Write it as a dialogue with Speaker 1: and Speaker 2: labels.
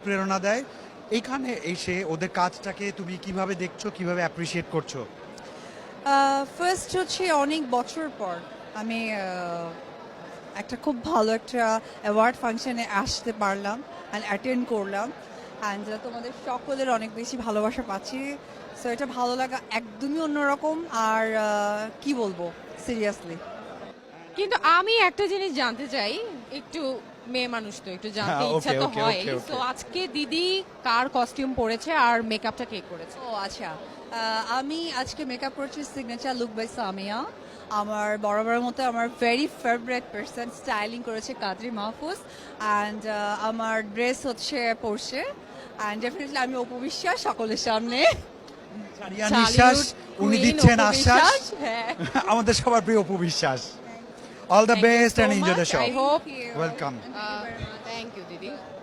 Speaker 1: অনুপ্রেরণা দেয়। এইখানে এসে ওদের কাজটাকে তুমি কিভাবে দেখছো, কিভাবে অ্যাপ্রিসিয়েট করছো?
Speaker 2: ফার্স্ট হচ্ছে অনেক বছর পর আমি একটা খুব ভালো একটা অ্যাওয়ার্ড ফাংশনে আসতে পারলাম অ্যান্ড অ্যাটেন্ড করলাম অ্যান্ড তোমাদের সকলের অনেক বেশি ভালোবাসা পাচ্ছি। সো এটা ভালো লাগা একদমই অন্যরকম। আর কি বলবো, সিরিয়াসলি।
Speaker 3: কিন্তু আমি একটা জিনিস জানতে চাই, একটু মেয়ে মানুষ তো একটু জানতে
Speaker 1: হ্যাঁ,
Speaker 3: ইচ্ছা
Speaker 1: okay,
Speaker 3: তো
Speaker 1: okay,
Speaker 3: হয়।
Speaker 1: okay, okay.
Speaker 3: তো আজকে দিদি কার কস্টিউম পরেছে আর মেকআপটা কে করেছে?
Speaker 2: ও আচ্ছা, আমি আজকে মেকআপ করছি সিগনেচার লুক বাই সামিয়া। আমার বরাবরের মতো আমার ভেরি ফেভারিট পার্সন স্টাইলিং করেছে কাদরি মাহফুজ অ্যান্ড আমার ড্রেস হচ্ছে পরছে অ্যান্ড ডেফিনেটলি আমি অপু বিশ্বাস সকলের সামনে।
Speaker 1: সারিয়া নিঃশ্বাস উনি
Speaker 3: Queen,
Speaker 1: দিচ্ছেন
Speaker 3: অপু
Speaker 1: আশ্বাস।
Speaker 3: বিশ্বাস, হ্যাঁ।
Speaker 1: আমাদের সবার প্রিয় Apu Biswas. All the
Speaker 3: Thank you
Speaker 1: best
Speaker 3: so
Speaker 1: and enjoy the
Speaker 3: much.
Speaker 1: Show.
Speaker 3: I hope
Speaker 1: welcome.
Speaker 3: Thank you দিদি।